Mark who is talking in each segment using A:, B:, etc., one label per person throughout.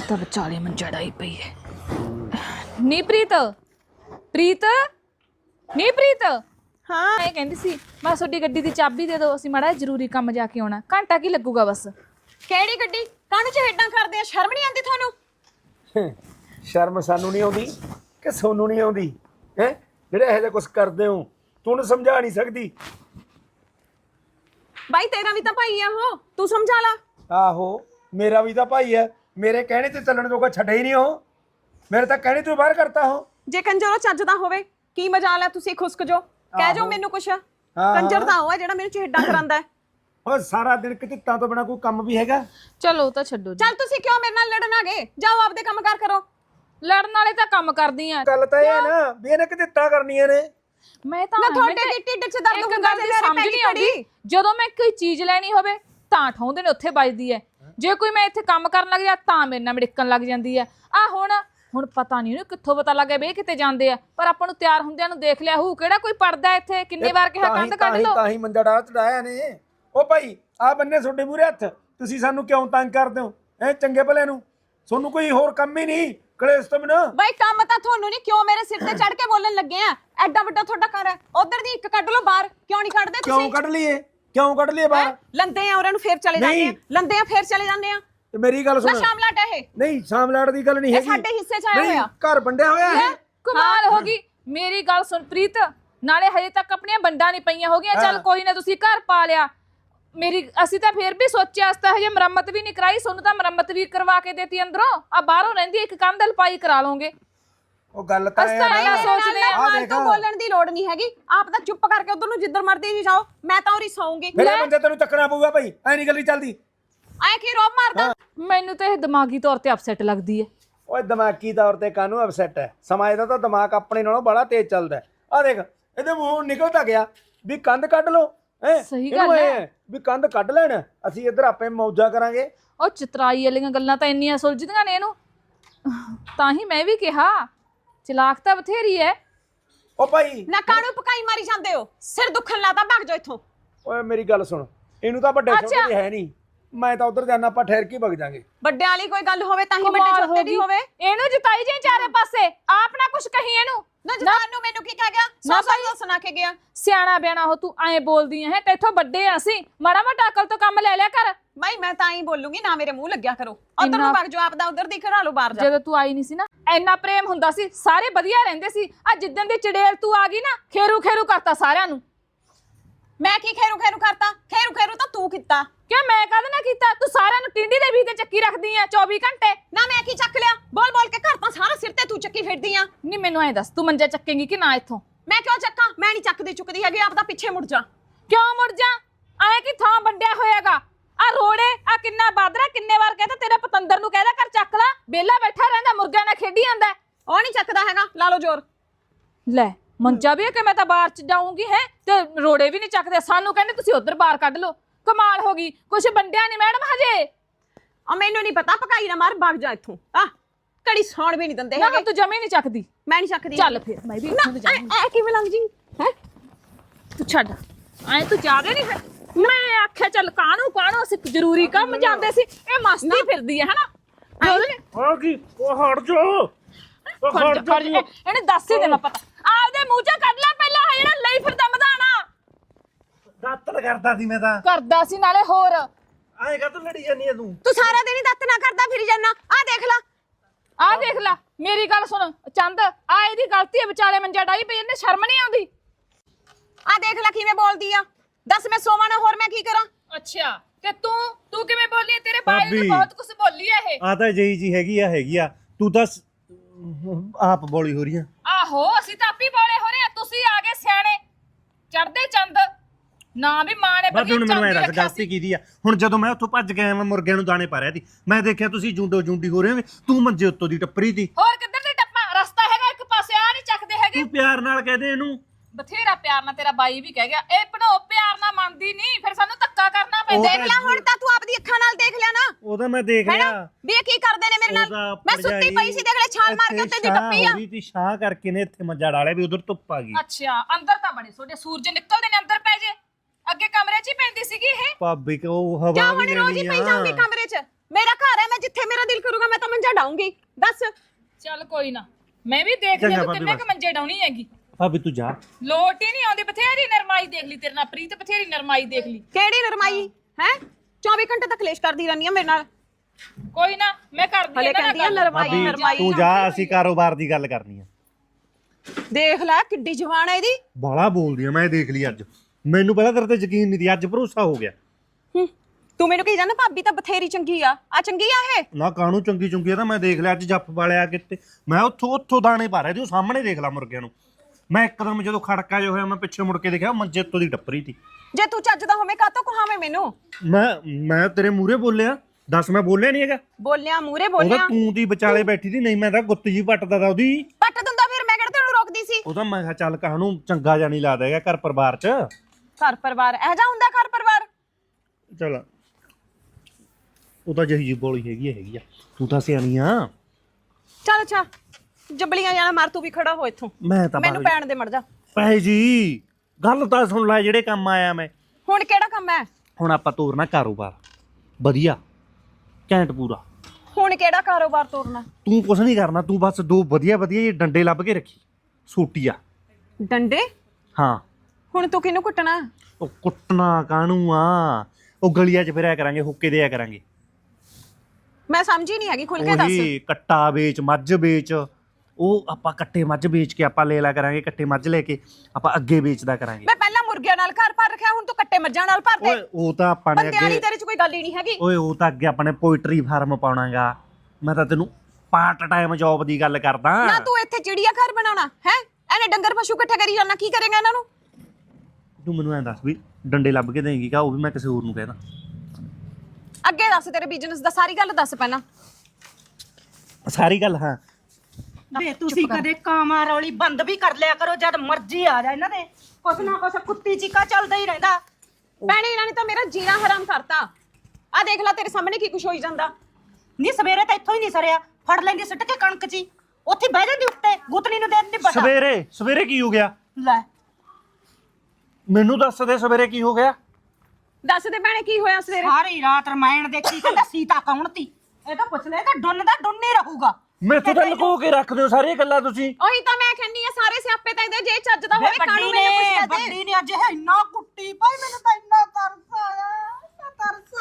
A: ਤਾਂ ਵਿਚਾਲੇ ਮੰਜਾ ਡਾਈ ਪਈ ਹੈ। ਨੀ ਪ੍ਰੀਤ ਪ੍ਰੀਤ ਨੀ ਪ੍ਰੀਤ
B: ਹਾਂ
A: ਇਹ ਕਹਿੰਦੀ ਸੀ ਮੈਂ ਤੁਹਾਡੀ ਗੱਡੀ ਦੀ ਚਾਬੀ ਦੇ ਦਿਓ, ਅਸੀਂ ਮਾੜਾ ਜ਼ਰੂਰੀ ਕੰਮ ਜਾ ਕੇ ਆਉਣਾ, ਘੰਟਾ ਕੀ ਲੱਗੂਗਾ ਬਸ।
B: ਕਿਹੜੀ ਗੱਡੀ ਕਾਹਨੂੰ ਚਿਹੜਾਂ ਕਰਦੇ ਆ? ਸ਼ਰਮ ਨਹੀਂ ਆਉਂਦੀ ਤੁਹਾਨੂੰ?
C: ਸ਼ਰਮ ਸਾਨੂੰ ਨਹੀਂ ਆਉਂਦੀ ਕਿ ਸੋਨੂੰ ਨਹੀਂ ਆਉਂਦੀ ਹੈ? ਜਿਹੜੇ ਇਹੋ ਜਿਹਾ ਕੁਝ ਕਰਦੇ ਹੋ ਤੂੰ ਉਹਨੂੰ ਸਮਝਾ ਨਹੀਂ ਸਕਦੀ।
B: ਬਾਈ ਤੇਰਾ ਵੀ ਤਾਂ ਭਾਈ ਆ ਉਹ, ਤੂੰ ਸਮਝਾ ਲਾ।
C: ਆਹੋ ਮੇਰਾ ਵੀ ਤਾਂ ਭਾਈ ਹੈ, ਮੇਰੇ ਕਹਿਣੇ ਤੇ ਚੱਲਣ ਜੋਗਾ ਛੱਡਿਆ ਹੀ ਨਹੀਂ ਉਹ, ਮੇਰੇ ਤਾਂ ਕਹਿਣੇ ਤੋਂ ਬਾਹਰ ਕਰਤਾ ਉਹ।
B: ਜੇ ਕੰਜਰੋ ਚੱਜਦਾ ਹੋਵੇ ਕੀ ਮਜਾਲ ਹੈ? ਤੁਸੀਂ ਖੁਸਕ ਜੋ ਕਹਿ ਜੋ ਮੈਨੂੰ ਕੁਛ। ਕੰਜਰ ਦਾ ਉਹ ਹੈ ਜਿਹੜਾ ਮੈਨੂੰ ਚਿਹੜਾਂ ਕਰਾਂਦਾ ਹੈ।
C: ਉਹ ਸਾਰਾ ਦਿਨ ਕਿਤਾਂ ਤੋਂ ਬਿਨਾ ਕੋਈ ਕੰਮ ਵੀ ਹੈਗਾ?
A: ਚਲੋ ਉਹ ਤਾਂ ਛੱਡੋ ਜੀ।
B: ਚੱਲ ਤੁਸੀਂ ਕਿਉਂ ਮੇਰੇ ਨਾਲ ਲੜਨ ਆ ਗਏ? ਜਾਓ ਆਪਦੇ ਕੰਮ ਕਾਰ ਕਰੋ।
A: ਲੜਨ ਵਾਲੇ ਤਾਂ ਕੰਮ ਕਰਦੀ ਆ।
C: ਗੱਲ ਤਾਂ ਇਹ ਹੈ ਨਾ ਵੀ ਇਹਨੇ ਕਿਤਾਂ ਕਰਨੀਆਂ ਨੇ।
A: ਮੈਂ ਤਾਂ
B: ਨਾ ਤੁਹਾਡੇ ਦੀ ਢਿੱਡ 'ਚ ਦਰਦ ਹੁੰਦਾ ਤੇ
A: ਸਮਝ ਨਹੀਂ ਆਉਂਦੀ, ਜਦੋਂ ਮੈਂ ਕੋਈ ਚੀਜ਼ ਲੈਣੀ ਹੋਵੇ ਤਾਂ ਠਾਉਂਦੇ ਨੇ ਉੱਥੇ ਵੱਜਦੀ ਹੈ, ਜੇ ਕੋਈ ਮੈਂ ਇੱਥੇ ਕੰਮ ਕਰਨ ਲੱਗ ਜਾ ਤਾਂ ਮੇਰੇ ਨਾਲ ਮੜਿੱਕਣ ਲੱਗ ਜਾਂਦੀ ਹੈ। ਆ ਹੁਣ ਪਤਾ ਨਹੀਂ ਉਹਨੂੰ ਕਿੱਥੋਂ ਪਤਾ ਲੱਗਿਆ ਵੀ ਇਹ ਕਿਤੇ ਜਾਂਦੇ ਆ, ਪਰ ਆਪਾਂ ਨੂੰ ਤਿਆਰ ਹੁੰਦਿਆਂ ਨੂੰ ਦੇਖ ਲਿਆ ਹੂ ਕਿਹੜਾ ਕੋਈ ਪੜਦਾ ਇੱਥੇ। ਕਿੰਨੇ ਵਾਰ ਕਿਹਾ ਕੰਧ ਕੱਢ ਲਓ।
C: ਤਾਂ ਹੀ ਮੰਜਾ ਡਾਹ ਚੜਾਇਆ ਨੇ। ਉਹ ਭਾਈ ਆ ਬੰਨੇ ਤੁਹਾਡੇ ਮੂਹਰੇ ਹੱਥ, ਤੁਸੀਂ ਸਾਨੂੰ ਕਿਉਂ ਤੰਗ ਕਰਦੇ ਹੋ? ਇਹ ਚੰਗੇ ਭਲੇ ਨੂੰ ਤੁਹਾਨੂੰ ਕੋਈ ਹੋਰ ਕੰਮ ਹੀ ਨਹੀਂ ਕਲੇਸ਼ ਤੋਂ ਬਿਨਾਂ?
B: ਬਾਈ ਕੰਮ ਤਾਂ ਤੁਹਾਨੂੰ ਨਹੀਂ, ਕਿਉਂ ਮੇਰੇ ਸਿਰ ਤੇ ਚੜ ਕੇ ਬੋਲਣ ਲੱਗੇ ਆ? ਐਡਾ ਵੱਡਾ ਤੁਹਾਡਾ ਘਰ ਹੈ, ਉਧਰ ਦੀ ਇੱਕ ਕੱਢ ਲਓ ਬਾਹਰ। ਕਿਉਂ ਨਹੀਂ ਕੱਢਦੇ ਤੁਸੀਂ?
C: ਕਿਉਂ ਕੱਢ ਲਈਏ ਬਾਹਰ?
B: ਲੰਦੇ ਆ ਉਹਨਾਂ ਨੂੰ ਫੇਰ ਚਲੇ ਜਾਂਦੇ ਆ, ਲੰਦੇ ਆ ਫੇਰ ਚਲੇ ਜਾਂਦੇ ਆ।
C: ਤੇ ਮੇਰੀ ਗੱਲ
B: ਨਾ
C: ਸੁਣ।
B: ਸ਼ਾਮਲਾਟ ਇਹ
C: ਨਹੀਂ ਸ਼ਾਮਲਾਟ ਦੀ ਗੱਲ ਨਹੀਂ
B: ਇਹ
C: ਹੈਗੀ,
B: ਸਾਡੇ ਹਿੱਸੇ 'ਚ ਆਇਆ
C: ਨਹੀਂ
B: ਹੋਇਆ।
C: ਘਰ ਵੰਡਿਆ ਹੋਇਆ ਹੈ।
A: ਕਮਾਲ ਹੋ ਗਈ। ਮੇਰੀ ਗੱਲ ਸੁਣ ਪ੍ਰੀਤ, ਨਾਲੇ ਹਜੇ ਤੱਕ ਆਪਣੀਆਂ ਵੰਡਾਂ ਨਹੀਂ ਪਈਆਂ ਹੋ ਗਈਆਂ। ਚੱਲ ਕੋਈ ਨਾ ਤੁਸੀਂ ਘਰ ਪਾ ਲਿਆ, ਅਸੀਂ ਤਾਂ ਫੇਰ ਵੀ ਸੋਚਿਆ, ਅਸਤਾ ਹਜੇ ਮੁਰੰਮਤ ਵੀ ਨਹੀਂ ਕਰਾਈ, ਸੋਨੂੰ ਤਾਂ ਮੁਰੰਮਤ ਵੀ ਕਰਵਾ ਕੇ ਦੇਤੀ ਅੰਦਰੋਂ। ਆ ਬਾਹਰੋਂ ਰਹਿੰਦੀ ਇੱਕ ਕੰਧ ਲਪਾਈ ਕਰਾ ਲਓਗੇ।
C: ਉਹ ਗੱਲ ਤਾਂ ਇਹ
A: ਅਸਤਾ ਸੋਚਦੇ ਆ
B: ਫਾਲਤੂ ਬੋਲਣ ਦੀ ਲੋੜ ਨਹੀਂ ਹੈਗੀ। ਆਪ ਤਾਂ ਚੁੱਪ ਕਰਕੇ ਉਧਰ ਨੂੰ ਜਿੱਧਰ ਮਰਦੀ ਜੀ ਜਾਓ, ਮੈਂ ਤਾਂ ਉਰੀ ਸੌਂਗੀ।
C: ਮੇਰੇ ਬੰਦੇ ਤੈਨੂੰ ਚੱਕਣਾ ਪਊਗਾ ਭਾਈ, ਐ ਨਹੀਂ ਗੱਲ ਨਹੀਂ ਚੱਲਦੀ।
B: ਐ ਕੀ ਰੋਬ ਮਾਰਦਾ?
A: ਮੈਨੂੰ ਤਾਂ ਇਹ ਦਿਮਾਗੀ ਤੌਰ ਤੇ ਅਪਸੈਟ ਲੱਗਦੀ ਹੈ।
C: ਓਏ ਦਿਮਾਗੀ ਤੌਰ ਤੇ ਕਾਹਨੂੰ ਅਪਸੈਟ ਹੈ? ਸਮਾਜ ਦਾ ਤਾਂ ਦਿਮਾਗ ਆਪਣੇ ਨਾਲੋਂ ਬੜਾ ਤੇਜ਼ ਚੱਲਦਾ। ਆ ਦੇਖ ਇਹਦੇ ਮੂੰਹੋਂ ਨਿਕਲ ਤਾਂ ਗਿਆ ਵੀ ਕੰਧ ਕੱਢ ਲਓ।
A: ਸਹੀ ਗੱਲ ਹੈ
C: ਵੀ ਕੰਧ ਕੱਢ ਲੈਣ, ਅਸੀਂ ਇੱਧਰ ਆਪੇ ਮੌਜਾਂ ਕਰਾਂਗੇ।
A: ਉਹ ਚਤਰਾਈ ਵਾਲੀਆਂ ਗੱਲਾਂ ਤਾਂ ਇੰਨੀਆਂ ਸੁਲਝਦੀਆਂ ਨੇ ਇਹਨੂੰ, ਤਾਂ ਹੀ ਮੈਂ ਵੀ ਕਿਹਾ ਚਲਾਕ ਤਾਂ ਬਥੇਰੀ ਹੈ।
C: ਉਹ ਭਾਈ
B: ਨਾ ਕਾਣੂ ਪਕਾਈ ਮਾਰੀ ਜਾਂਦੇ ਹੋ, ਸਿਰ ਦੁਖਣ ਲਾਦਾ, ਭੱਗ ਜਾਓ ਇੱਥੋਂ।
C: ਓਏ ਮੇਰੀ ਗੱਲ ਸੁਣ, ਇਹਨੂੰ ਤਾਂ ਵੱਡੇ ਛੋਟੇ ਦੀ ਹੈ ਨਹੀਂ, ਮੈਂ ਤਾਂ ਉਧਰ ਜਾਣਾ, ਆਪਾਂ ਠਹਿਰ ਕੇ ਵਗ ਜਾਾਂਗੇ।
B: ਵੱਡਿਆਂ ਵਾਲੀ ਕੋਈ ਗੱਲ ਹੋਵੇ ਤਾਂ ਹੀ ਵੱਡੇ ਛੋਟੇ ਦੀ ਹੋਵੇ।
A: ਇਹਨੂੰ ਜਿਤਾਈ ਜਾਈ ਚਾਰੇ ਪਾਸੇ, ਆਪ ਨਾ ਕੁਛ ਕਹੀ ਇਹਨੂੰ।
B: ਨਾ ਜਵਾਨ ਨੂੰ ਮੈਨੂੰ ਕੀ ਕਹਿ ਗਿਆ? ਸੌ ਸੁਣਾ ਕੇ ਗਿਆ।
A: ਸਿਆਣਾ ਬਿਆਣਾ ਹੋ ਤੂੰ, ਐਂ ਬੋਲਦੀ ਹੈ ਤੇਥੋਂ ਵੱਡੇ ਆ ਅਸੀਂ, ਮਾੜਾ ਮੋਟਾ ਅਕਲ ਤੋਂ ਕੰਮ ਲੈ ਲਿਆ ਕਰ।
B: ਬਾਈ ਮੈਂ ਤਾਂ ਹੀ ਬੋਲੂੰਗੀ, ਨਾ ਮੇਰੇ ਮੂੰਹ ਲੱਗਿਆ ਕਰੋ। ਉਧਰ ਨੂੰ ਵਗ ਜਾਓ, ਆਪਦਾ ਉਧਰ ਦੀ ਖੜਾ ਲਓ ਬਾਹਰ ਜਾ।
A: ਜਦੋਂ ਤੂੰ ਆਈ ਨਹੀਂ ਸੀ ਨਾ ਇੰਨਾ ਪ੍ਰੇਮ ਹੁੰਦਾ ਸੀ, ਸਾਰੇ ਵਧੀਆ ਰਹਿੰਦੇ ਸੀ। ਆ ਜਿੱਦਣ ਦੀ ਚੜੇਲ ਤੂੰ ਆ ਗਈ ਨਾ, ਖੇਰੂ ਖੇਰੂ ਕਰਤਾ ਸਾਰਿਆਂ ਨੂੰ।
B: ਮੈਂ ਕੀ ਖੇਰੂ ਖੇਰੂ ਕਰਤਾ? ਖੇਰੂ ਖੇਰੂ ਤਾਂ ਤੂੰ ਕੀਤਾ।
A: ਕਿਉਂ ਮੈਂ ਕਾਹਦੇ ਨਾਲ ਕੀਤਾ? ਤੂੰ ਸਾਰਿਆਂ ਨੂੰ ਟਿੰਡੀ ਦੇ ਵੀ ਤੇ ਚੱਕੀ ਰੱਖਦੀ ਆ 24 ਘੰਟੇ।
B: ਨਾ ਮੈਂ ਕੀ ਚੱਕ ਲਿਆ? ਬੋਲ ਬੋਲ ਕੇ ਘਰ ਤਾਂ ਸਾਰਾ ਸਿਰ ਤੇ ਤੂੰ ਚੱਕੀ ਫਿਰਦੀ ਆ।
A: ਨਹੀਂ ਮੈਨੂੰ ਐਂ ਦੱਸ, ਤੂੰ ਮੰਜਾ ਚੱਕੇਂਗੀ ਕਿ ਨਾ ਇੱਥੋਂ?
B: ਮੈਂ ਕਿਉਂ ਚੱਕਾਂ? ਮੈਂ ਨਹੀਂ ਚੱਕਦੀ ਚੁੱਕਦੀ ਹੈਗੀ, ਆਪਦਾ ਪਿੱਛੇ ਮੁੜ ਜਾ।
A: ਕਿਉਂ ਮੁੜ ਜਾ? ਐਂ ਕਿ ਥਾਂ ਵੰਡਿਆ ਹੋਇਆਗਾ। ਆ ਰੋੜੇ ਆ ਕਿੰਨਾ ਬਾਦਰਾ, ਕਿੰਨੇ ਵਾਰ ਕਹਿੰਦਾ ਤੇਰੇ ਪਤੰਦਰ ਨੂੰ ਕਹਿਦਾ ਕਰ ਚੱਕ ਲੈ, ਵਿਹਲਾ ਬੈਠਾ ਰਹਿੰਦਾ ਮੁਰਗਿਆਂ ਨਾਲ ਖੇਡੀ ਜਾਂਦਾ।
B: ਉਹ ਨਹੀਂ ਚੱਕਦਾ ਹੈਗਾ, ਲਾ ਲਓ ਜ਼ੋਰ।
A: ਲੈ ਮੰਜਾ ਵੀ ਕਿ ਮੈਂ ਤਾਂ ਬਾਹਰ ਚ ਜਾਊਂਗੀ ਹੈ ਤੇ ਰੋੜੇ ਵੀ ਨਹੀਂ ਚੱਕਦੇ, ਸਾਨੂੰ ਕਹਿੰਦੇ ਤੁਸੀਂ ਉਧਰ ਬਾਹਰ ਕੱਢ ਲਓ। ਕਮਾਲ ਹੋ ਗਈ, ਕੁਛ ਵੰਡਿਆ ਨਹੀਂ ਮੈਡਮ ਹਜੇ।
B: ਆ ਮੈਨੂੰ ਨਹੀਂ ਪਤਾ, ਪਕਾਈ ਨਾ ਮਾਰ, ਭੱਗ ਜਾ ਇੱਥੋਂ। ਆ ਕੜੀ ਸੌਣ ਵੀ ਨਹੀਂ ਦਿੰਦੇ
A: ਨਾ
B: ਹੈਗੇ।
A: ਤੂੰ ਜਮੇ ਨਹੀਂ ਚੱਕਦੀ।
B: ਮੈਂ ਨਹੀਂ ਚੱਕਦੀ।
A: ਚੱਲ ਫਿਰ ਮੈਂ ਵੀ ਇੱਥੋਂ ਜਾਊਂਗੀ।
B: ਐ ਕਿਵੇਂ ਲੰਘ ਜੀ ਹੈ?
A: ਤੂੰ ਛੱਡ, ਐ ਤੂੰ ਜਾਦੇ ਨਹੀਂ ਫਿਰ। ਮੈਂ ਆਖਿਆ ਚੱਲ ਕਾਹਨੂੰ ਅਸੀਂ ਜ਼ਰੂਰੀ ਕੰਮ ਜਾਂਦੇ ਸੀ, ਇਹ ਮਸਤੀ ਫਿਰਦੀ ਹੈ ਹਨਾ।
C: ਆ ਕੀ ਉਹ ਹਟ ਜਾ, ਉਹ ਹਟ ਜਾ।
A: ਇਹਨੇ ਦੱਸ ਹੀ ਦੇਣਾ ਪਤਾ। ਆਪਦੇ ਮੂੰਹ ਚੋਂ ਕੱਢ ਲੈ ਪਹਿਲਾਂ, ਹੈ ਜਿਹੜਾ ਲਈ ਫਿਰਦਾ ਮਧਾਣਾ।
C: ਦਾਤਰ ਕਰਦਾ ਸੀ ਮੈਂ ਤਾਂ,
A: ਕਰਦਾ ਸੀ ਨਾਲੇ ਹੋਰ।
C: ਐਂ ਕਾ ਤੂੰ ਲੜੀ ਜਾਨੀ ਐ ਤੂੰ?
B: ਤੂੰ ਸਾਰਾ ਦਿਨ ਹੀ ਦੱਤ ਨਾ ਕਰਦਾ ਫਿਰ ਜਾਨਾ। ਆ ਦੇਖ ਲੈ,
A: ਆਹ ਦੇਖ ਲੈ, ਮੇਰੀ ਗੱਲ ਸੁਣ ਚੰਦ, ਆ ਇਹਦੀ ਗਲਤੀ ਹੈ, ਵਿਚਾਲੇ ਮੰਜਾ ਡਾਈ ਪਈ, ਇਹਨੇ ਸ਼ਰਮ ਨਹੀਂ ਆਉਂਦੀ।
B: ਆ ਦੇਖ ਲੈ ਕਿਵੇਂ ਬੋਲਦੀ ਆ। ਦੱਸ ਮੈਂ ਸੋਵਾਂ ਨਾ, ਹੋਰ ਮੈਂ ਕੀ ਕਰਾਂ?
A: ਅੱਛਾ ਤੇ ਤੂੰ ਕਿਵੇਂ ਬੋਲੀ ਹੈ? ਤੇਰੇ ਬਾਈ ਨੂੰ ਬਹੁਤ ਕੁਝ ਬੋਲੀ ਹੈ ਇਹ।
D: ਆ ਤਾਂ ਜੀ ਹੈਗੀ ਆ ਤੂੰ ਤਾਂ ਆਪ ਬੋਲੀ ਹੋ ਰਹੀ ਆ।
A: ਆਹੋ ਅਸੀਂ ਤਾਂ ਆਪੀ ਬੋਲੇ ਹੋ ਰਹੇ ਆ, ਤੁਸੀਂ ਆ ਗਏ ਸਿਆਣੇ ਚੜਦੇ ਚੰਦ। ਨਾ ਵੀ ਮਾਂ ਨੇ
D: ਬਾਬੇ ਹੁਣ ਮੈਨੂੰ ਐ ਦੱਸ
A: ਰੱਖਿਆ
D: ਗਲਤੀ
A: ਸੀ।
D: ਕੀਦੀ ਆ? ਹੁਣ ਜਦੋਂ ਮੈਂ ਉੱਥੋਂ ਭੱਜ ਗਿਆ ਮੈਂ ਮੁਰਗਿਆਂ ਨੂੰ ਦਾਣੇ ਪਾ ਰਿਹਾ ਸੀ, ਮੈਂ ਦੇਖਿਆ ਤੁਸੀਂ ਜੁੰਡੋ ਜੁੰਡੀ ਹੋ ਰਹੇ ਹੋ, ਤੂੰ ਮੰਜੇ ਉੱਤੋਂ ਦੀ ਟੱਪਰੀ ਦੀ।
A: ਹੋਰ ਕਿੱਧਰ ਦੀ ਟੱਪਾ? ਰਸਤਾ ਹੈਗਾ ਇੱਕ ਪਾਸੇ, ਆ ਨਹੀਂ ਚੱਕਦੇ ਹੈਗੇ।
D: ਤੂੰ ਪਿਆਰ ਨਾਲ ਕਹਦੇ ਇਹਨੂੰ।
A: ਬਥੇਰਾ ਪਿਆਰ ਨਾਲ, ਤੇਰਾ ਬਾਈ ਵੀ ਕਹਿ ਗਿਆ। ਇਹ ਭਣੋ ਪਿਆਰ ਨਾਲ ਮੰਨਦੀ ਨਹੀਂ, ਫਿਰ ਸਾਨੂੰ ਧੱਕਾ ਕਰਨਾ ਪੈਂਦਾ।
B: ਦੇਖ ਲੈ ਹੁਣ ਤਾਂ ਤੂੰ ਆਪਦੀ ਅੱਖਾਂ ਨਾਲ ਦੇਖ ਲਿਆ ਨਾ।
D: ਉਹਦਾ ਮੈਂ ਦੇਖ
B: ਹੈਨਾ
D: ਲਿਆ
B: ਵੀ ਇਹ ਕੀ ਕਰਦੇ ਨੇ ਮੇਰੇ ਨਾਲ। ਮੈਂ ਸੁੱਤੀ ਪਈ ਸੀ, ਦੇਖ ਲੈ ਛਾਲ ਮਾਰ ਕੇ ਉੱਤੇ ਦੀ ਟੱਪੀ ਆ।
D: ਉਹਦੀ ਛਾਂ ਕਰਕੇ ਨੇ ਇੱਥੇ ਮੰਜਾ ਡਾਲਿਆ ਵੀ ਉਧਰ ਧੁੱਪ ਆ ਗਈ।
A: ਅੱਛਾ ਅੰਦਰ ਤਾਂ ਬੜੇ ਸੋਡੇ ਸੂਰਜ ਨਿਕਲਦੇ ਨੇ, ਅੰਦਰ ਪੈ ਜੇ। ਅੱਗੇ ਕਮਰੇ 'ਚ ਹੀ ਪੈਂਦੀ ਸੀਗੀ ਇਹ।
D: ਭਾਬੀ ਕੋ ਹਵਾ
B: ਜਾਂ
D: ਵੀ
B: ਹੁਣ ਰੋਜ਼ ਹੀ
D: ਲੈਣੀ
B: ਪਈ
D: ਆ।
B: ਜਾਊਂਗੀ ਕਮਰੇ 'ਚ। ਮੇਰਾ ਘਰ ਹੈ, ਮੈਂ ਜਿੱਥੇ ਮੇਰਾ ਦਿਲ ਕਰੂਗਾ ਮੈਂ ਤਾਂ ਮੰਜਾ ਡਾਉਂਗੀ। ਦੱਸ
A: ਚੱਲ ਕੋਈ ਨਾ, ਮੈਂ ਵੀ ਦੇਖ
D: ਚੰਗਾ
A: ਲਿਆ ਤੂੰ
D: ਭਾਬੀ
A: ਕਿੰਨੇ
D: ਬਸ।
A: ਕ ਮੰਜੇ ਡਾਉਣੀ ਹੈਗੀ।
D: ਭਾਬੀ ਤੂੰ ਜਾ।
A: ਲੋਟ ਹੀ ਨਹੀਂ ਆਉਂਦੀ, ਬਥੇਰੀ ਨਰਮਾਈ ਦੇਖ ਲਈ ਤੇਰੇ ਨਾਲ ਪ੍ਰੀਤ, ਬਥੇਰੀ ਨਰਮਾਈ ਦੇਖ ਲਈ।
B: ਕਿਹੜੀ ਨਰਮਾਈ ਹੈ? 24 ਘੰਟੇ ਤੱਕ ਕਲੇਸ਼ ਕਰਦੀ ਰਹਿੰਦੀ ਆ ਮੇਰੇ ਨਾਲ।
A: ਕੋਈ ਨਾ ਮੈਂ ਕਰਦੀ
B: ਹਲੇ
A: ਇਹਨਾਂ
B: ਕਹਿੰਦੀ ਆ
A: ਨਾਲ ਗੱਲ।
B: ਨਰਮਾਈ
D: ਭਾਬੀ
B: ਨਰਮਾਈ।
D: ਤੂੰ ਜਾ, ਅਸੀਂ ਕਾਰੋਬਾਰ ਦੀ ਗੱਲ ਕਰਨੀ ਆ।
B: ਦੇਖ ਲੈ ਕਿੱਡੀ ਜਵਾਨ ਹੈ ਇਹਦੀ।
D: ਬਾਲਾ ਬੋਲਦੀ ਆ, ਮੈਂ ਦੇਖ ਲਈ ਅੱਜ। ਮੈਨੂੰ ਪਹਿਲਾਂ ਤੇਰੇ ਤੇ ਯਕੀਨ ਨਹੀਂ ਸੀ, ਅੱਜ ਭਰੋਸਾ ਹੋ ਗਿਆ।
B: ਤੂੰ ਮੈਨੂੰ ਕੀ ਜਾਣਦਾ, ਭਾਬੀ ਤਾਂ ਬਥੇਰੀ ਚੰਗੀ ਆ ਚੰਗੀ ਆ ਇਹ।
D: ਨਾ ਕਾਹਨੂੰ ਚੰਗੀ ਚੁੰਗੀ ਆ, ਤਾਂ ਮੈਂ ਦੇਖ ਲਿਆ ਅੱਜ ਜੱਫ ਵਾਲਿਆ ਕਿਤੇ। ਮੈਂ ਉੱਥੋਂ ਦਾਣੇ ਪਾ ਰਿਹਾ ਸੀ, ਉਹ ਸਾਹਮਣੇ ਦੇਖ ਲਾ ਮੁਰਗਿਆਂ ਨੂੰ। ਮੈਂ ਇੱਕਦਮ ਜਦੋਂ ਖੜਕਾ ਜਿਹਾ ਹੋਇਆ, ਮੈਂ ਪਿੱਛੇ ਮੁੜ ਕੇ ਦੇਖਿਆ ਮੰਜੇ ਉੱਤੋਂ ਦੀ ਟੱਪਰੀ ਸੀ।
B: ਜੇ ਤੂੰ ਚੱਜਦਾ ਹੋਵੇਂ ਕਾਤੋਂ ਕਹਾਵੇਂ ਮੈਨੂੰ?
D: ਮੈਂ ਤੇਰੇ ਮੂਹਰੇ ਬੋਲਿਆ, ਦੱਸ ਮੈਂ ਬੋਲਿਆ ਨਹੀਂ ਹੈਗਾ?
B: ਬੋਲਿਆ ਮੂਰੇ
D: ਉਹਦਾ
B: ਬੋਲਿਆ।
D: ਤੂੰ ਦੀ ਵਿਚਾਲੇ ਬੈਠੀ ਸੀ, ਨਹੀਂ ਮੈਂ ਤਾਂ ਗੁੱਤ ਜੀ ਪੱਟਦਾ ਤਾ ਉਹਦੀ।
B: ਪੱਟ ਦਿੰਦਾ ਫਿਰ, ਮੈਂ ਕਿਹੜਾ ਤੈਨੂੰ ਰੋਕਦੀ ਸੀ?
D: ਉਹਦਾ ਮੈਂ ਕਿਹਾ ਚੱਲ ਕਾਹਨੂੰ ਚੰਗਾ ਜਿਹਾ ਨਹੀਂ ਲੱਗਦਾ ਹੈਗਾ ਘਰ ਪਰਿਵਾਰ 'ਚ।
B: ਘਰ ਪਰਿਵਾਰ ਇਹ ਜਾ ਹੁੰਦਾ ਘਰ ਪਰਿਵਾਰ?
D: ਚੱਲ ਉਹ ਤਾਂ ਜਿਹੀ ਜੀ ਬੋਲੀ ਹੈਗੀ ਆ, ਤੂੰ ਤਾਂ ਸਿਆਣੀ ਆ।
B: ਚੱਲ ਅੱਛਾ, ਜੱਬਲੀਆਂ ਜਾਣਾ ਮਾਰ, ਤੂੰ ਵੀ ਖੜਾ ਹੋ ਇੱਥੋਂ।
D: ਮੈਂ ਤਾਂ
B: ਮੈਨੂੰ ਪੈਣ ਦੇ ਮੜ ਜਾ।
D: ਭਾਈ ਜੀ ਗੱਲ ਤਾਂ ਸੁਣ ਲੈ, ਜਿਹੜੇ ਕੰਮ ਆਇਆ ਮੈਂ।
B: ਹੁਣ ਕਿਹੜਾ ਕੰਮ ਹੈ?
D: ਹੁਣ ਆਪਾਂ ਤੋਰਨਾ ਕਾਰੋਬਾਰ ਵਧੀਆ ਘੈਂਟ ਪੂਰਾ।
B: ਹੁਣ ਕਿਹੜਾ ਕਾਰੋਬਾਰ ਤੋਰਨਾ?
D: ਤੂੰ ਕੁਛ ਨਹੀਂ ਕਰਨਾ, ਤੂੰ ਬਸ ਦੋ ਵਧੀਆ ਜਿਹੇ ਡੰਡੇ ਲੱਭ ਕੇ ਰੱਖੀ, ਸੂਟੀਆ।
B: ਡੰਡੇ?
D: ਹਾਂ।
B: ਹੁਣ ਤੂੰ ਕਿਹਨੂੰ ਕੁੱਟਣਾ?
D: ਉਹ ਕੁੱਟਣਾ ਕਾਹਨੂੰ ਆ, ਉਹ ਗਲੀਆਂ 'ਚ ਫਿਰਿਆ ਕਰਾਂਗੇ, ਹੁੱਕੇ ਦਿਆ ਕਰਾਂਗੇ।
B: ਮੈਂ ਸਮਝੀ ਨਹੀਂ ਹੈਗੀ, ਖੁੱਲ ਕੇ ਦੱਸ।
D: ਉਹੀ ਕੱਟਾ ਵੇਚ, ਮੱਝ ਵੇਚ, ਉਹ ਆਪਾਂ ਕੱਟੇ ਮੱਝ ਵੇਚ ਕੇ ਆਪਾਂ ਲੈ ਲਾ ਕਰਾਂਗੇ, ਕੱਟੇ ਮੱਝ ਲੈ ਕੇ ਆਪਾਂ ਅੱਗੇ ਵੇਚਦਾ ਕਰਾਂਗੇ।
B: ਮੈਂ ਪਹਿਲਾਂ ਮੁਰਗਿਆਂ ਨਾਲ ਘਰ ਭਰ ਰੱਖਿਆ, ਹੁਣ ਤੂੰ ਕੱਟੇ ਮੱਝਾਂ ਨਾਲ ਭਰ ਦੇ।
D: ਓਏ ਉਹ ਤਾਂ ਆਪਾਂ ਨੇ
B: ਬੰਦਿਆਂ ਵਾਲੀ
D: ਅੱਗੇ,
B: ਤੇਰੇ 'ਚ ਕੋਈ ਗੱਲ ਹੀ ਨਹੀਂ ਹੈਗੀ।
D: ਓਏ ਉਹ ਤਾਂ ਅੱਗੇ ਆਪਾਂ ਨੇ ਪੋਇਟਰੀ ਫਾਰਮ ਪਾਉਣਾਗਾ। ਮੈਂ ਤਾਂ ਤੈਨੂੰ ਪਾਰਟ ਟਾਈਮ ਜੌਬ ਦੀ ਗੱਲ ਕਰਦਾ।
B: ਨਾ ਤੂੰ ਇੱਥੇ ਚਿੜੀਆ ਘਰ ਬਣਾਉਣਾ ਹੈ? ਐਨੇ ਡੰਗਰ ਪਸ਼ੂ ਇਕੱਠੇ ਕਰੀ ਜਾਣਾ, ਕੀ ਕਰੇਗਾ ਇਹਨਾਂ ਨੂੰ?
D: ਤੂੰ ਮੈਨੂੰ ਐਂ ਦੱਸ ਵੀ ਡੰਡੇ ਲੱਭ ਕੇ ਦੇਂਗੀ ਕਾ, ਉਹ ਵੀ ਮੈਂ ਕਿਸੇ ਹੋਰ ਨੂੰ ਕਹਿਦਾ?
B: ਅੱਗੇ ਦੱਸ, ਤੇਰੇ ਬਿਜ਼ਨਸ ਦਾ ਸਾਰੀ ਗੱਲ ਦੱਸ ਪਹਿਲਾਂ।
D: ਸਾਰੀ ਗੱਲ ਹਾਂ।
E: ਵੇ ਤੁਸੀਂ ਕਦੇ ਕਾਮਾ ਰੌਲੀ ਬੰਦ ਵੀ ਕਰ ਲਿਆ ਕਰੋ, ਜਦ ਮਰਜ਼ੀ ਆ ਜਾ ਇਹਨਾਂ ਦੇ ਕੁਛ ਨਾ ਕੁਛ ਕੁੱਤੀ ਚੀਕਾ ਚੱਲਦਾ ਹੀ ਰਹਿੰਦਾ।
B: ਭੈਣੇ ਇਹਨਾਂ ਨੇ ਤਾਂ ਮੇਰਾ ਜੀਣਾ ਹਰਾਮ ਕਰਤਾ। ਆ ਦੇਖ ਲੈ ਤੇਰੇ ਸਾਹਮਣੇ ਕੀ ਕੁਛ ਹੋਈ ਜਾਂਦਾ।
E: ਨਹੀਂ ਸਵੇਰੇ ਤਾਂ ਇੱਥੋਂ ਹੀ ਨਹੀਂ ਸਰਿਆ, ਫੜ ਲੈਂਦੀ ਸਿੱਟ ਕੇ ਕਣਕ 'ਚ ਹੀ, ਉੱਥੇ ਬਹਿ ਜਾਂਦੀ ਉੱਤੇ, ਗੁੱਤਨੀ ਨੂੰ ਦੇ ਦਿੰਦੀ ਬਟਾ।
D: ਸਵੇਰੇ ਕੀ ਹੋ ਗਿਆ?
E: ਲੈ
D: ਮੈਨੂੰ ਦੱਸ ਦੇ ਸਵੇਰੇ ਕੀ ਹੋ ਗਿਆ?
B: ਦੱਸ ਦੇ ਭੈਣੇ ਕੀ ਹੋਇਆ ਸਵੇਰੇ?
E: ਸਾਰੀ ਰਾਤ ਰਮਾਇਣ ਦੇਖੀ, ਕਹਿੰਦਾ ਸੀਤਾ ਕੌਣ ਤੀ? ਇਹ ਤਾਂ ਪੁੱਛ ਲੈ, ਤਾਂ ਡੁੰਨ ਦਾ ਡੁੰਨ ਹੀ ਰਹੂਗਾ।
D: ਮੈਥੋਂ ਤਾਂ ਲੁਕੋ ਕੇ ਰੱਖਦੇ ਹੋ ਸਾਰੀਆਂ ਗੱਲਾਂ ਤੁਸੀਂ।
B: ਉਹੀ ਤਾਂ ਮੈਂ ਕਹਿੰਨੀ ਆ, ਸਾਰੇ ਸਿਆਪੇ ਤਾਂ ਇਹਦੇ ਜੇ ਚੱਜਦਾ ਹੋਵੇ ਕਾਹਨੂੰ ਮੈਨੂੰ ਪੁੱਛਦਾ ਦੇ।
E: ਵੱਡੀ ਨੇ ਅੱਜ ਇਹ ਇੰਨਾ ਕੁੱਟੀ ਭਾਈ, ਮੈਨੂੰ ਤਾਂ ਇੰਨਾ ਤਰਸ ਆਇਆ, ਇੰਨਾ ਤਰਸ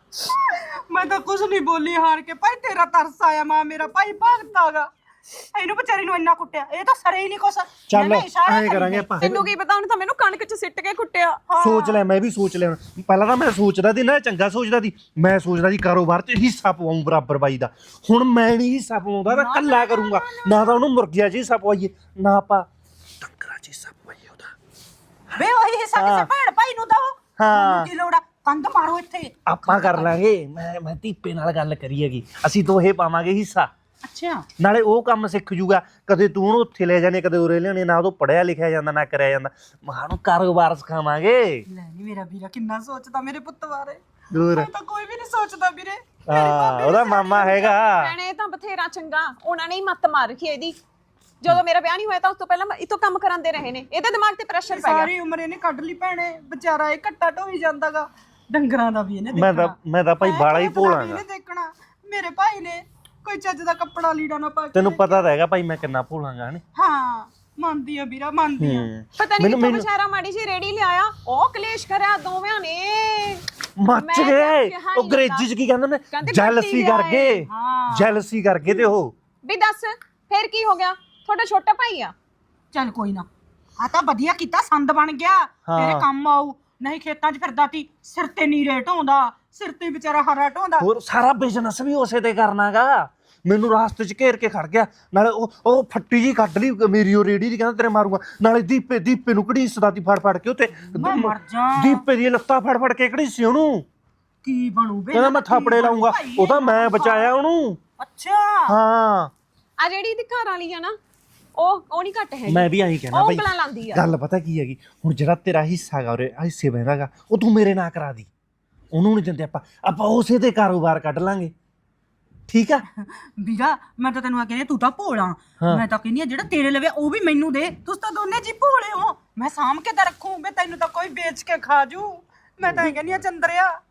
E: ਆਇਆ। ਮੈਂ ਤਾਂ ਕੁਝ ਨਹੀਂ ਬੋਲੀ, ਹਾਰ ਕੇ ਭਾਈ ਤੇਰਾ ਤਰਸ ਆਇਆ। ਮਾਂ ਮੇਰਾ ਭਾਈ ਭਗਤਾਗਾ, ਇਹਨੂੰ ਵਿਚਾਰੀ ਨੂੰ ਇੰਨਾ ਕੁੱਟਿਆ, ਇਹ ਤਾਂ ਸਰੇ ਹੀ ਨਹੀਂ ਕੁਛ।
D: ਚੱਲ ਐਂ ਕਰਾਂਗੇ ਆਪਾਂ,
B: ਤੈਨੂੰ ਕੀ ਪਤਾ, ਉਹਨੇ ਤਾਂ ਮੈਨੂੰ ਕਣਕ 'ਚ ਸਿੱਟ ਕੇ ਕੁੱਟਿਆ।
D: ਸੋਚ ਲੈ, ਮੈਂ ਵੀ ਸੋਚ ਲਿਆ। ਪਹਿਲਾਂ ਤਾਂ ਮੈਂ ਸੋਚਦਾ ਸੀ ਨਾ, ਚੰਗਾ ਸੋਚਦਾ ਸੀ, ਮੈਂ ਸੋਚਦਾ ਸੀ ਕਾਰੋਬਾਰ 'ਚ ਹਿੱਸਾ ਪਵਾਉਂ ਬਰਾਬਰ ਬਾਈ ਦਾ। ਹੁਣ ਮੈਂ ਨਹੀਂ ਹਿੱਸਾ ਪਵਾਉਂਦਾ, ਮੈਂ ਇਕੱਲਾ ਕਰੂੰਗਾ। ਨਾ ਤਾਂ ਉਹਨੂੰ ਮੁਰਗੀਆਂ 'ਚ ਹਿੱਸਾ ਪਵਾਈਏ, ਨਾ ਆਪਾਂ ਡੰਗਰਾਂ 'ਚ ਹਿੱਸਾ ਪਵਾਈਏ ਉਹਦਾ।
E: ਵੇ ਉਹੀ ਹਿੱਸਾ ਕਿਸੇ ਭੈਣ ਭਾਈ ਨੂੰ ਦੋ।
D: ਹਾਂ।
E: ਕੀ ਲੋੜ ਆ, ਕੰਧ ਮਾਰੋ ਇੱਥੇ।
D: ਆਪਾਂ ਕਰ ਲਾਂਗੇ। ਮੈਂ ਧੀਪੇ ਨਾਲ ਗੱਲ ਕਰੀ ਹੈਗੀ, ਅਸੀਂ ਦੋਹੇ ਪਾਵਾਂਗੇ ਹਿੱਸਾ।
E: ਅੱਛਾ,
D: ਨਾਲੇ ਉਹ ਕੰਮ ਸਿੱਖ ਜੂਗਾ, ਕਦੇ ਤੂੰ ਉਹਨੂੰ ਉੱਥੇ ਲੈ ਜਾਣੇ, ਕਦੇ ਉਰੇ ਲਿਆਣੇ। ਨਾ ਉਹ ਪੜਿਆ ਲਿਖਿਆ ਜਾਂਦਾ, ਨਾ ਕਰਿਆ ਜਾਂਦਾ। ਮਾਂ ਨੂੰ ਕਾਰੋਬਾਰ ਸਿਖਾਵਾਂਗੇ।
E: ਲੈ ਨੀ ਮੇਰਾ ਵੀਰਾ ਕਿੰਨਾ ਸੋਚਦਾ ਮੇਰੇ ਪੁੱਤ ਬਾਰੇ।
D: ਦੂਰ
E: ਮੈਂ ਤਾਂ ਕੋਈ ਵੀ ਨਹੀਂ ਸੋਚਦਾ ਵੀਰੇ।
D: ਹਾਂ, ਉਹਦਾ ਮਾਮਾ ਹੈਗਾ।
B: ਭੈਣੇ ਤਾਂ ਬਥੇਰਾ ਚੰਗਾ, ਉਹਨਾਂ ਨੇ ਹੀ ਮੱਤ ਮਾਰ ਰੱਖੀ ਇਹਦੀ। ਜਦੋਂ ਮੇਰਾ ਵਿਆਹ ਨਹੀਂ ਹੋਇਆ ਤਾਂ ਉਸ ਤੋਂ ਪਹਿਲਾਂ ਇਹ ਤੋਂ ਕੰਮ ਕਰਾਉਂਦੇ ਰਹੇ ਨੇ। ਇਹਦੇ ਦਿਮਾਗ ਤੇ ਪ੍ਰੈਸ਼ਰ ਪੈ ਗਿਆ।
E: ਸਾਰੀ ਉਮਰ ਇਹਨੇ ਕੱਢ ਲਈ ਭੈਣੇ, ਵਿਚਾਰਾ ਇਹ ਘੱਟਾ ਢੋਈ ਜਾਂਦਾਗਾ। ਡੰਗਰਾਂ ਦਾ ਵੀ ਇਹਨੇ
D: ਮੈਂ ਤਾਂ ਭਾਈ ਬਾਲਾ ਹੀ ਭੋਲਾਂਗਾ।
E: ਇਹਨੇ ਦੇਖਣਾ। ਮੇਰੇ ਭਾਈ ਨੇ ਕੋਈ ਚੱਜ ਦਾ ਕੱਪੜਾ ਲੀੜਾ ਨਾ ਪਾ ਕੇ।
D: ਤੈਨੂੰ ਪਤਾ ਤਾਂ ਹੈਗਾ ਭਾਈ ਮੈਂ ਕਿੰਨਾ ਭੋਲਾਂਗਾ ਨੇ।
E: ਹਾਂ, ਮੰਨਦੀ ਆ ਵੀਰਾ, ਮੰਨਦੀ ਆ।
B: ਪਤਾ ਨਹੀਂ ਕਿੱਥੋਂ ਵਿਚਾਰਾ ਮਾੜੀ ਜੀ ਰੇੜੀ ਲਿਆਇਆ, ਉਹ ਕਲੇਸ਼ ਕਰਿਆ ਦੋਵਾਂ ਨੇ।
D: ਮੱਚ
B: ਮੈਂ
D: ਗਏ।
B: ਕਿਹਾ ਹੀ
D: ਉਹ ਅੰਗਰੇਜ਼ੀ 'ਚ ਕੀ ਕਹਿੰਦੇ ਨੇ?
B: ਕਹਿੰਦੇ
D: ਜੈਲਸੀ
B: ਕੱਟੀ
D: ਕਰ
B: ਗਏ।
D: ਗਏ, ਜੈਲਸੀ ਕਰ ਗਏ ਤੇ ਉਹ।
B: ਵੀ ਦੱਸ ਫੇਰ ਕੀ ਹੋ ਗਿਆ? ਤੁਹਾਡਾ ਛੋਟਾ ਭਾਈ ਆ।
E: ਚੱਲ ਕੋਈ ਨਾ, ਆ ਤਾਂ ਵਧੀਆ ਕੀਤਾ, ਸੰਦ ਬਣ ਗਿਆ, ਤੇਰੇ ਕੰਮ ਆਊ। ਨਹੀਂ ਖੇਤਾਂ 'ਚ ਫਿਰਦਾ ਤੀ, ਸਿਰ ਤੇ ਨੀ ਰੇਟ ਹੁੰਦਾ, ਸਿਰ ਤੇ ਵਿਚਾਰਾ ਹਰਾ ਢੋਂਦਾ।
D: ਹੋਰ ਸਾਰਾ ਬਿਜ਼ਨਸ ਵੀ ਉਸੇ ਤੇ ਕਰਨਾਗਾ। ਮੈਨੂੰ ਰਾਸਤੇ 'ਚ ਘੇਰ ਕੇ ਖੜ ਗਿਆ, ਨਾਲੇ ਉਹ ਫੱਟੀ ਜੀ ਕੱਢ ਲਈ ਮੇਰੀ, ਉਹ ਰੇੜੀ ਦੀ, ਕਹਿੰਦਾ ਤੇਰੇ ਮਾਰੂਗਾ। ਨਾਲੇ ਦੀਪੇ ਨੂੰ ਘੜੀਸਦਾ ਤੀ ਫੜ ਕੇ ਉੱਤੇ।
E: ਮੈਂ ਮਰ ਜਾ।
D: ਦੀਪੇ ਦੀ ਲੱਤਾਂ ਫੜ ਕੇ ਘੜੀਸੀ ਉਹਨੂੰ।
E: ਕੀ ਬਣੂ ਬੇ?
D: ਕਹਿੰਦਾ ਮੈਂ ਥਾਪੜੇ ਲਾਉਂਗਾ। ਉਹ ਤਾਂ ਮੈਂ ਬਚਾਇਆ ਉਹਨੂੰ।
E: ਅੱਛਾ,
D: ਹਾਂ।
B: ਆ ਜਿਹੜੀ ਇਹਦੀ ਘਰ ਵਾਲੀ ਆ ਨਾ, ਉਹ ਨਹੀਂ ਘੱਟ ਹੈ।
D: ਮੈਂ ਵੀ ਆਹੀ ਕਹਿਣਾ
B: ਉਹ
D: ਬਾਈ।
B: ਉਂਗਲਾਂ ਲਾਉਂਦੀ ਆ।
D: ਗੱਲ ਪਤਾ ਕੀ ਹੈਗੀ, ਹੁਣ ਜਿਹੜਾ ਤੇਰਾ ਹਿੱਸਾ ਗਾ ਉਰੇ ਹਿੱਸੇ ਬਹਿੰਦਾਗਾ, ਉਹ ਤੂੰ ਮੇਰੇ ਨਾਲ ਕਰਾ ਦੀ। ਉਹਨੂੰ ਨਹੀਂ ਦਿੰਦੇ ਆਪਾਂ ਉਸੇ ਤੇ ਕਾਰੋਬਾਰ ਕੱਢ ਲਾਂਗੇ। ਠੀਕ ਆ
E: ਵੀਰਾ, ਮੈਂ ਤਾਂ ਤੈਨੂੰ ਆ ਕਹਿੰਦੀ, ਤੂੰ ਤਾਂ ਭੋਲਾ। ਮੈਂ ਤਾਂ ਕਹਿੰਦੀ ਆ ਜਿਹੜਾ ਤੇਰੇ ਲਵੇ ਉਹ ਵੀ ਮੈਨੂੰ ਦੇ। ਤੁਸੀਂ ਤਾਂ ਦੋਨੇ ਜੀ ਭੋਲੇ ਹੋ। ਮੈਂ ਸਾਂਭ ਕੇ ਤਾਂ ਰੱਖੂ ਬੇ, ਤੈਨੂੰ ਤਾਂ ਕੋਈ ਵੇਚ ਕੇ ਖਾ ਜੂ। ਮੈਂ ਤਾਂ ਇਹ ਕਹਿੰਦੀ ਆ ਚੰਦਰਿਆ।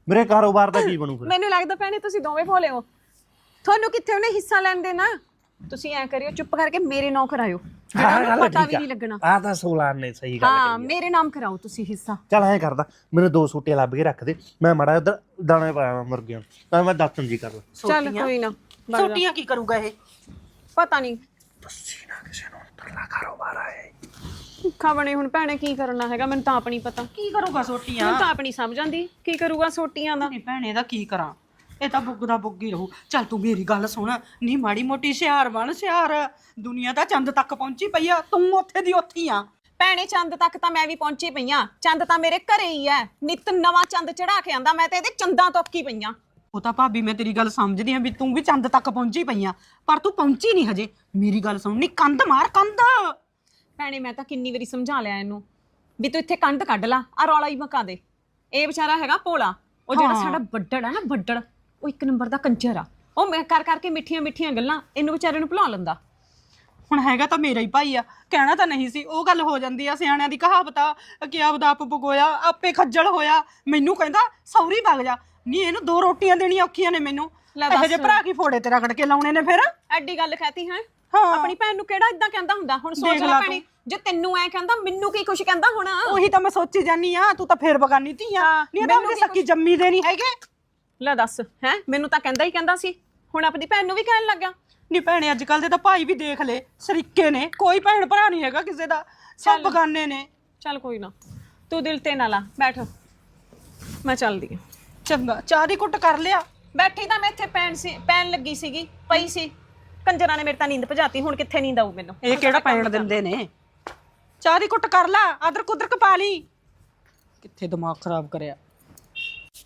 D: ਮੇਰੇ ਕਾਰੋਬਾਰ ਦਾ ਕੀ ਬਣੂ ਫਿਰ?
B: ਮੈਨੂੰ ਲੱਗਦਾ ਭੈਣੇ ਤੁਸੀਂ ਦੋਵੇਂ ਭੋਲੇ ਹੋ। ਤੁਹਾਨੂੰ ਕਿੱਥੇ ਉਹਨੇ ਹਿੱਸਾ ਲੈਣ ਦੇਣਾ। ਤੁਸੀਂ ਐ ਕਰਿਓ, ਚੁੱਪ ਕਰਕੇ ਮੇਰੇ ਨਾਂ ਕਰਾਇਓ, ਜਿਹੜਾ ਉਹਨੂੰ ਪਤਾ ਵੀ ਨਹੀਂ ਲੱਗਣਾ।
D: ਆ ਤਾਂ ਸੋਲਾਰ ਨੇ ਸਹੀ ਗੱਲ
B: ਹਾਂ,
D: ਕਹੀ।
B: ਮੇਰੇ ਨਾਮ ਕਰਾਓ ਤੁਸੀਂ ਹਿੱਸਾ।
D: ਚੱਲ ਐਂ ਕਰਦਾ, ਮੈਨੂੰ 2 ਸੂਟੇ ਲੱਭ ਕੇ ਰੱਖ ਦੇ, ਮੈਂ ਮਾੜਾ ਉਧਰ ਦਾਣੇ ਪਾਇਆ ਮੁਰਗਿਆਂ ਨੂੰ, ਤਾਂ ਮੈਂ ਦਾਤਨ ਜੀ ਕਰ ਲਾ।
B: ਚੱਲ ਕੋਈ ਨਾ,
E: ਛੋਟੀਆਂ ਕੀ ਕਰੂਗਾ ਇਹ?
B: ਪਤਾ ਨਹੀਂ
D: ਦੱਸੀ ਨਾ ਕਿਸੇ ਨੂੰ, ਤਰਲਾ ਕਾਰੋਬਾਰ ਆਇਆ
B: ਭੁੱਖਾ ਬਣੇ ਹੁਣ ਭੈਣੇ ਕੀ ਕਰਨਾ ਹੈਗਾ, ਮੈਨੂੰ ਤਾਂ ਆਪ ਨਹੀਂ ਪਤਾ।
E: ਕੀ ਕਰੂਗਾ ਛੋਟੀਆਂ?
B: ਮੈਨੂੰ ਤਾਂ ਆਪ ਨਹੀਂ ਸਮਝ ਆਉਂਦੀ ਕੀ ਕਰੂਗਾ ਸੋਟੀਆਂ ਦਾ।
E: ਨਹੀਂ ਭੈਣੇ ਦਾ ਕੀ ਕਰਾਂ, ਇਹ ਤਾਂ ਬੁੱਗ ਦਾ ਬੁੱਗ ਹੀ ਰਹੂ। ਚੱਲ ਤੂੰ ਮੇਰੀ ਗੱਲ ਸੁਣ, ਨੀ ਮਾੜੀ ਮੋਟੀ ਹੁਸ਼ਿਆਰ ਬਣ, ਹੁਸ਼ਿਆਰ। ਦੁਨੀਆ ਤਾਂ ਚੰਦ ਤੱਕ ਪਹੁੰਚੀ ਪਈ ਆ, ਤੂੰ ਉੱਥੇ ਦੀ ਉੱਥੀ ਆ।
B: ਭੈਣੇ ਚੰਦ ਤੱਕ ਤਾਂ ਮੈਂ ਵੀ ਪਹੁੰਚੀ ਪਈਆਂ, ਚੰਦ ਤਾਂ ਮੇਰੇ ਘਰੇ ਹੀ ਐ, ਨਿਤ ਨਵਾਂ ਚੰਦ ਚੜਾ ਕੇ ਆਂਦਾ, ਮੈਂ ਤੇ ਇਹਦੇ ਚੰਦਾਂ ਤੋਂ ਅੱਕੀ ਪਈਆਂ।
E: ਉਹ ਤਾਂ ਭਾਬੀ ਮੈਂ ਤੇਰੀ ਗੱਲ ਸਮਝਦੀ ਆ ਵੀ ਤੂੰ ਵੀ ਚੰਦ ਤੱਕ ਪਹੁੰਚੀ ਪਈ ਆ, ਪਰ ਤੂੰ ਪਹੁੰਚੀ ਨਹੀਂ ਹਜੇ। ਮੇਰੀ ਗੱਲ ਸੁਣ, ਨੀ ਕੰਧ ਮਾਰ ਕੰਧ।
B: ਭੈਣੇ ਮੈਂ ਤਾਂ ਕਿੰਨੀ ਵਾਰੀ ਸਮਝਾ ਲਿਆ ਇਹਨੂੰ ਵੀ ਤੂੰ ਇੱਥੇ ਕੰਧ ਕੱਢ ਲਾ, ਆ ਰੌਲਾ ਹੀ ਮਕਾ ਦੇ। ਇਹ ਵਿਚਾਰਾ ਹੈਗਾ ਭੋਲਾ, ਉਹ ਜਿਹੜਾ ਸਾਡਾ ਵੱਡੜ ਆ ਨਾ, ਵੱਡੜ, ਉਹ 1 ਨੰਬਰ ਦਾ ਕੰਜਰ ਆ। ਉਹ ਮੈਂ ਕਰ ਕਰਕੇ ਮਿੱਠੀਆਂ ਮਿੱਠੀਆਂ ਗੱਲਾਂ ਇਹਨੂੰ ਵਿਚਾਰੇ ਨੂੰ ਭੁਲਾ ਲੈਂਦਾ।
E: ਹੁਣ ਹੈਗਾ ਤਾਂ ਮੇਰਾ ਹੀ ਭਾਈ ਆ, ਕਹਿਣਾ ਤਾਂ ਨਹੀਂ ਸੀ। ਉਹ ਗੱਲ ਹੋ ਜਾਂਦੀ ਆ, ਸਿਆਣਿਆਂ ਦੀ ਕਹਾਵਤ ਆ ਕਿ ਆਪਦਾ ਆਪ ਭਗੋਇਆ ਆਪੇ ਖੱਜਲ ਹੋਇਆ। ਮੈਨੂੰ ਕਹਿੰਦਾ ਸੌਰੀ ਵਗ ਜਾ, ਨਹੀਂ ਇਹਨੂੰ 2 ਰੋਟੀਆਂ ਦੇਣੀਆਂ ਔਖੀਆਂ ਨੇ ਮੈਨੂੰ। ਇਹੋ ਜਿਹੇ ਭਰਾ ਕੀ ਫੋੜੇ ਤੇ ਰਗੜ ਕੇ ਲਾਉਣੇ ਨੇ ਫਿਰ।
B: ਐਡੀ ਗੱਲ ਕਹਤੀ ਹੈ।
E: ਹਾਂ।
B: ਆਪਣੀ ਭੈਣ ਨੂੰ ਕਿਹੜਾ ਇਦਾਂ ਕਹਿੰਦਾ ਹੁੰਦਾ। ਹੁਣ ਸੋਚ ਲੈ ਭੈਣੇ, ਜੇ ਤੈਨੂੰ ਐ ਕਹਿੰਦਾ ਮੈਨੂੰ ਕੀ ਕੁਛ ਕਹਿੰਦਾ ਹੋਣਾ।
E: ਉਹੀ ਤਾਂ ਮੈਂ ਸੋਚੀ ਜਾਨੀ ਆ, ਤੂੰ ਤਾਂ ਫੇਰ ਬਗਾਨੀ ਧੀ ਆ। ਨਹੀਂ ਤਾਂ ਮੇਰੀ ਸੱਕੀ ਜੰਮੀ ਦੇ ਨਹੀਂ ਹੈਗੇ।
B: ਲੈ ਦੱਸ, ਹੈ ਮੈਨੂੰ ਤਾਂ ਕਹਿੰਦਾ ਹੀ ਕਹਿੰਦਾ ਸੀ, ਹੁਣ ਆਪਣੀ ਭੈਣ ਨੂੰ ਵੀ ਕਹਿਣ ਲੱਗਾ।
E: ਨਹੀਂ ਭੈਣੇ ਅੱਜ ਕੱਲ ਦੇ ਤਾਂ ਭਾਈ ਵੀ ਦੇਖ ਲੈ, ਸਰੀਕੇ ਨੇ, ਕੋਈ ਭੈਣ ਭਰਾ ਨਹੀਂ ਹੈਗਾ ਕਿਸੇ ਦਾ, ਸਭ ਬਗਾਨੇ ਨੇ।
B: ਚੱਲ ਕੋਈ ਨਾ, ਤੂੰ ਦਿਲ ਤੇ ਨਾ ਲਾ, ਬੈਠ ਮੈਂ ਚੱਲਦੀ ਆ।
E: ਚੰਗਾ, ਚਾਹ ਦੀ ਕੁੱਟ ਕਰ ਲਿਆ।
B: ਬੈਠੀ ਤਾਂ ਮੈਂ ਇੱਥੇ ਪੈਣ ਲੱਗੀ ਸੀਗੀ, ਪਈ ਸੀ। ਕੰਜਰਾਂ ਨੇ ਮੇਰੇ ਤਾਂ ਨੀਂਦ ਭਜਾਤੀ, ਹੁਣ ਕਿੱਥੇ ਨੀਂਦ ਆਊ ਮੈਨੂੰ।
E: ਇਹ ਕਿਹੜਾ ਪੈਣ ਦਿੰਦੇ ਨੇ। ਚਾਹ ਦੀ ਕੁੱਟ ਕਰ ਲਾ, ਅਦਰਕ ਉਦਰਕ ਪਾ ਲਈ। ਕਿੱਥੇ ਦਿਮਾਗ ਖਰਾਬ ਕਰਿਆ।